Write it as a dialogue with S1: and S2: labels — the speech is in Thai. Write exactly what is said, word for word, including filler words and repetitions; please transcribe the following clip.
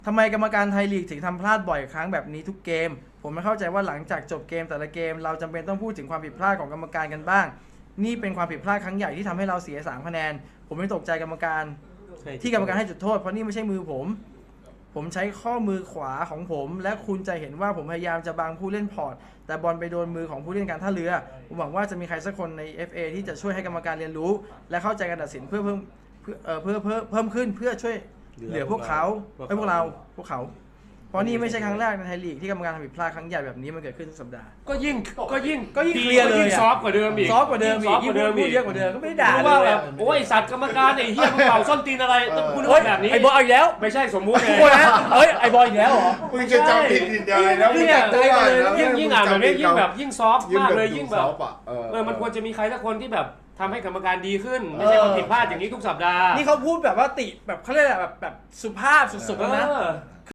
S1: ทำไมกรรมการไทยลีกถึงทำพลาดบ่อยครั้งแบบนี้ทุกเกมผมไม่เข้าใจว่าหลังจากจบเกมแต่ละเกมเราจำเป็นต้องพูดถึงความผิดพลาดของกรรมการกันบ้างนี่เป็นความผิดพลาดครั้งใหญ่ที่ทำให้เราเสียสามคะแนนผมไม่ตกใจกรรมการที่กรรมการให้จุดโทษเพราะนี่ไม่ใช่มือผมผมใช้ข้อมือขวาของผมและคุณจะเห็นว่าผมพยายามจะบังผู้เล่นพอร์ตแต่บอลไปโดนมือของผู้เล่นการท่าเรือผมหวังว่าจะมีใครสักคนใน เอฟ เอ ที่จะช่วยให้กรรมการเรียนรู้และเข้าใจการตัดสินเพื่อเพิ่มเพื่อเพื่อเพิ่มเพิ่มขึ้นเพื่อช่วยเหลือพวกเขาให้พวกเราพวกเขาเพราะนี่ไม่ใช่ครั้งแรกในไทยลีกที่กรรมการทำผิดพลาดครั้งใหญ่แบบนี้มันเกิดขึ้นทุกสัปดาห์
S2: ก็ยิ่งก็ยิ่ง
S1: ก็ยิ่งเคลียร์เลย
S2: ซอฟกว่าเดิมอีก
S1: ซอฟกว่าเดิมอีก
S2: ซอฟกว่าเดิม
S1: พู
S2: อี
S1: ด
S2: ก
S1: เยอะกว่าเดิมก็ไม่ได้ด่า
S2: รู้ว่าแบบโอ้ยสัตว์กรรมการไอ้เหี้ยมึงเป่าส้นตีนอะไรต้องพูดแบบนี้
S1: ไอ้บอลอีกแล้ว
S2: ไม่ใช่สมมุติไง
S1: ทุกคนนะเฮ้ยไอ้บอลอีกแล้วเหรอ
S3: มึงจะจำผิดผิดอะไรแล้วมึงจะตัวอะไรแล้ว
S2: ยิ่งยิ่งอ่านแบบนี้ยิ่งแบบยิ่งซอฟต์มากเลยยิ่งแบบ
S3: เอ
S2: เออมันควรจะมีใครสักคนที่แบบทำให้กรรมการดีขึ้นไม่ใช่มาผิดพลาดอย่างนี้ทุกสัปดาห์
S1: นี่เขาพูดแบบว่าติแบบเขาเรียกอะไรแบบแบบสุภาพสุดๆแล้วนะ
S2: เออ